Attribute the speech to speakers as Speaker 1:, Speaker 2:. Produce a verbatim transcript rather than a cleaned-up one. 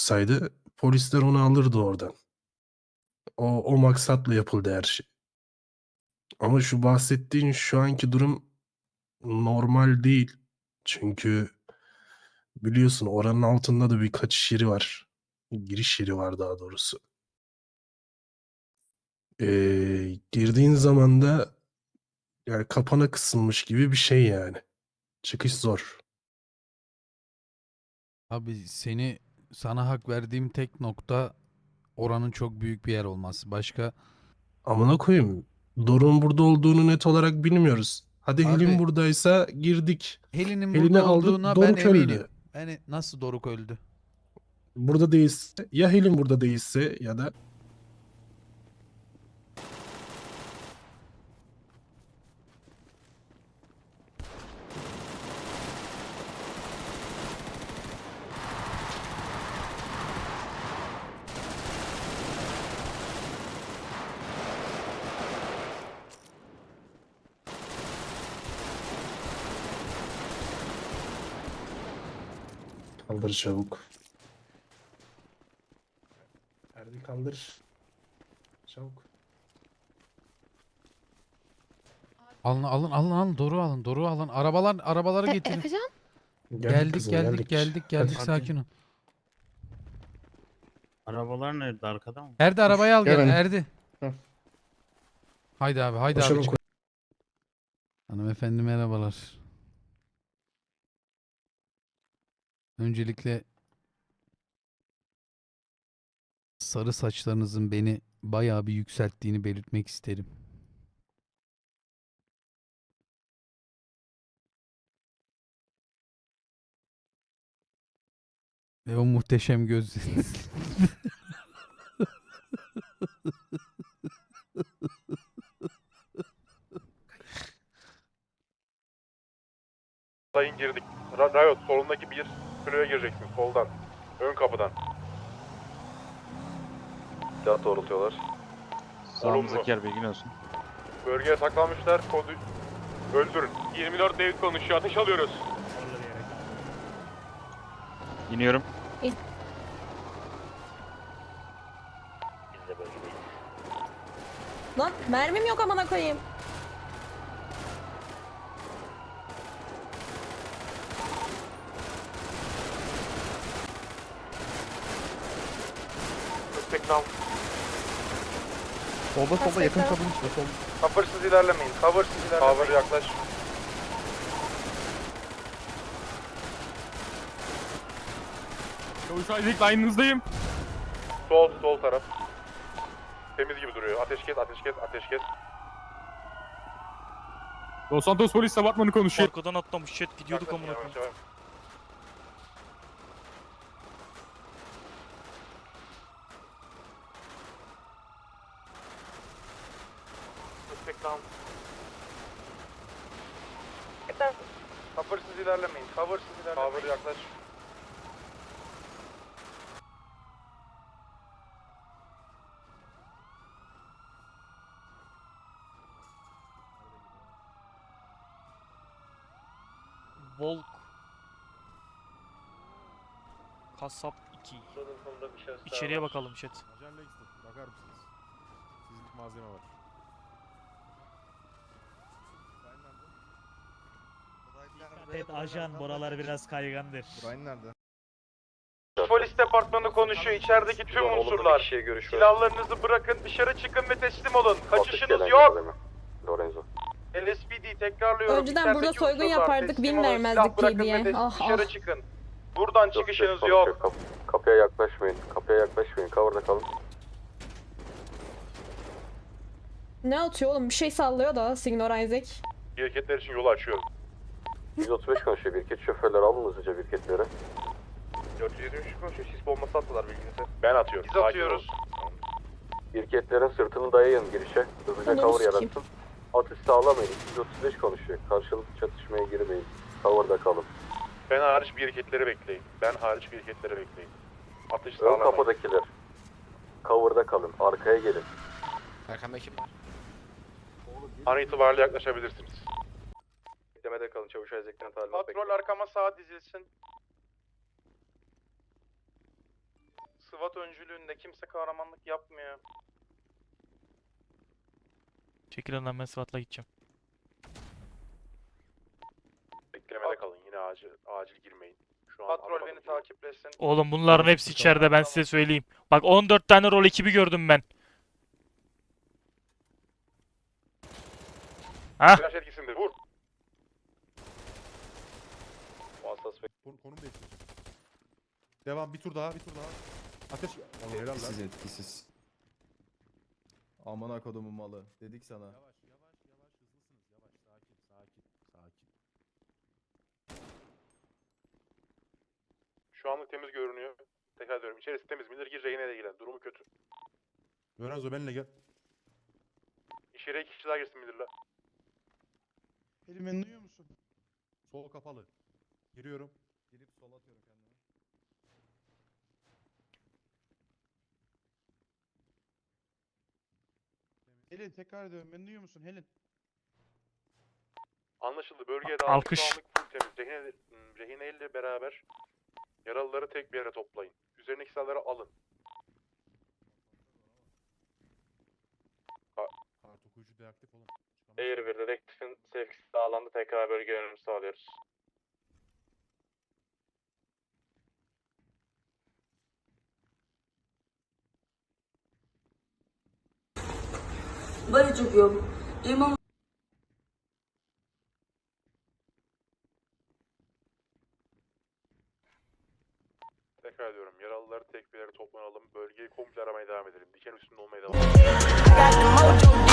Speaker 1: olsaydı polisler onu alırdı oradan. O o maksatla yapıldı her şey. Ama şu bahsettiğin şu anki durum normal değil. Çünkü biliyorsun oranın altında da bir kaçış yeri var. Giriş yeri var daha doğrusu. Eee, girdiğin zaman da yani kapana kısılmış gibi bir şey yani. Çıkış zor.
Speaker 2: Abi seni sana hak verdiğim tek nokta oranın çok büyük bir yer olması. Başka
Speaker 1: Amına koyayım. Doruk'un burada olduğunu net olarak bilmiyoruz. Hadi Helin
Speaker 2: abi
Speaker 1: buradaysa girdik.
Speaker 2: Helin'in burada
Speaker 1: Helin'i aldık,
Speaker 2: olduğuna ben
Speaker 1: Doruk
Speaker 2: eminim.
Speaker 1: öldü.
Speaker 2: Yani nasıl Doruk öldü?
Speaker 1: Burada değilse ya Helin burada değilse ya da kaldır çabuk. Erdi kaldır. Çabuk.
Speaker 2: Alın alın alın alın Doruk'u alın Doruk'u alın. Arabalar arabaları
Speaker 3: E,
Speaker 2: getirin.
Speaker 3: Efecan?
Speaker 1: Geldik,
Speaker 2: Geldik
Speaker 1: kızım
Speaker 2: geldik
Speaker 1: geldik.
Speaker 2: geldik geldik
Speaker 1: Hadi.
Speaker 2: sakin ol.
Speaker 4: Arabalar nerede? Arkada mı?
Speaker 2: Erdi arabayı al gel
Speaker 1: Gel.
Speaker 2: Erdi.
Speaker 1: Hı.
Speaker 2: Haydi abi haydi
Speaker 1: Koşalım,
Speaker 2: abi. çık. Hanımefendi merhabalar. Öncelikle sarı saçlarınızın beni bayağı bir yükselttiğini belirtmek isterim. Ve o muhteşem gözleriniz.
Speaker 5: Sayın girdik. Ra- Riot solundaki bir kiloya gireceksin soldan. Ön kapıdan. Silah doğrultuyorlar.
Speaker 4: Sağımızdaki yer bilgin olsun.
Speaker 5: Bölgeye saklanmışlar. Kodu öldürün. yirmi dört David konuşuyor. Ateş alıyoruz.
Speaker 4: İniyorum.
Speaker 3: Lan mermim yok amına koyayım.
Speaker 5: Teknam.
Speaker 3: Solda solda yakın kabın
Speaker 6: içinde sol.
Speaker 5: Cover'sız ilerlemeyin. Cover'sız ilerlemeyin. Cover yaklaş.
Speaker 6: Çavuş Isaac line'ınızdayım.
Speaker 5: Sol, sol taraf. Temiz gibi duruyor. Ateş kes, ateş kes, ateş kes.
Speaker 6: Los Santos polis departmanı konuşuyor.
Speaker 7: Arkadan atlamış chat gidiyorduk amına
Speaker 5: Yavaş,
Speaker 7: koyayım.
Speaker 5: yavaş. Teknam. Cover'sız ilerlemeyin. Cover'sız ilerlemeyin. Cover yaklaş.
Speaker 7: Volk. Kasap iki. İçeriye bakalım chat.
Speaker 6: Ajan Langston, bakar mısınız? Sizlik malzeme var.
Speaker 8: Evet ajan buralar biraz kaygandır.
Speaker 6: Brian nerede?
Speaker 5: Polis departmanı konuşuyor. İçerideki tüm unsurlar. Silahlarınızı bırakın, dışarı çıkın ve teslim olun. Kaçışınız yok.
Speaker 4: Lorenzo.
Speaker 5: L S P D tekrarlıyorum.
Speaker 3: Önceden
Speaker 5: İçerideki
Speaker 3: burada soygun
Speaker 5: unsurlar,
Speaker 3: yapardık,
Speaker 5: teslim
Speaker 3: bin
Speaker 5: olun,
Speaker 3: vermezdik
Speaker 5: silah bırakın
Speaker 3: diye.
Speaker 5: ve de-
Speaker 3: Ah,
Speaker 5: dışarı
Speaker 3: ah.
Speaker 5: çıkın. Buradan çıkışınız yok.
Speaker 4: Kap kapıya yaklaşmayın. Kapıya yaklaşmayın. Cover'da kalın.
Speaker 3: Ne atıyor oğlum? Bir şey sallıyor da Signor Isaac.
Speaker 5: Hareketler için yolu açıyorum.
Speaker 4: yüz otuz beş konuşuyor. Birket şoförler alın hızlıca birketlere.
Speaker 5: dört yüz yetmiş üç konuşuyor. Sis bombası attılar bilginize. Ben atıyorum. Biz atıyoruz.
Speaker 4: Birketlerin sırtını dayayın girişe. Hızlıca
Speaker 3: Ananı
Speaker 4: cover
Speaker 3: sikeyim.
Speaker 4: yaratın. Atış sağlamayın. yüz otuz beş konuşuyor. Karşılıklı çatışmaya girmeyin. Cover'da kalın.
Speaker 5: Ben hariç bir hareketleri bekleyin. Ben hariç bir hareketleri bekleyin. Atış
Speaker 4: Ön
Speaker 5: sağlamayın.
Speaker 4: kapıdakiler. Cover'da kalın. Arkaya gelin.
Speaker 7: Arkamda kim var?
Speaker 5: An itibariyle yaklaşabilirsiniz.
Speaker 4: Beklemede kalın. Çavuş Isaac'ten talimat
Speaker 5: Patrol arkama sağa dizilsin. SWAT öncülüğünde kimse kahramanlık yapmıyor.
Speaker 7: Çekil lan, ben SWAT'la gideceğim.
Speaker 6: Beklemede kalın. Yine acil acil girmeyin. Şu an
Speaker 5: Patrol
Speaker 6: anlamadım
Speaker 5: beni
Speaker 6: durumu.
Speaker 5: takiplesin.
Speaker 7: Oğlum bunların hepsi içeride, ben size söyleyeyim. Bak on dört tane rol ekibi gördüm ben. Ha?
Speaker 6: Flash etkisinde vur.
Speaker 4: Kon-
Speaker 6: Konum değiştir. Devam, bir tur daha, bir tur daha. Ateş. Oğlum helal lan.
Speaker 9: Etkisiz etkisiz. Amına kodumun malı. Dedik sana.
Speaker 6: Yavaş, yavaş, yavaş. Hızlısınız. Yavaş, sakin, sakin, sakin. Şu anlık temiz görünüyor. Tekrar diyorum. İçerisi temiz. Miller gir, rehine de ilgilen. Durumu kötü. Lorenzo benimle gel. İçeriye iki kişi daha girsin Miller'la.
Speaker 4: Elim beni duyuyor musun?
Speaker 6: Sol kapalı. Giriyorum.
Speaker 9: Girip sol atıyorum kendime.
Speaker 4: Helin tekrar ediyorum. Beni duyuyor musun Helin?
Speaker 6: Anlaşıldı. Bölgeye dağıldık.
Speaker 7: Alkış.
Speaker 6: Şu anlık full temiz. Rehine, hmm, rehine ile beraber yaralıları tek bir yere toplayın. Üzerindeki silahları alın. Ka kart okuyucu deaktif olun.
Speaker 5: Air bir dedektifin sevkisi sağlandı. Tekrar bölge yönümü sağlıyoruz.
Speaker 10: Barıcık yok. İmam
Speaker 6: Tekrar ediyorum. Yaralıları tek bir yere toplanalım. Bölgeyi komple aramaya devam edelim. Diken üstünde olmaya devam edelim.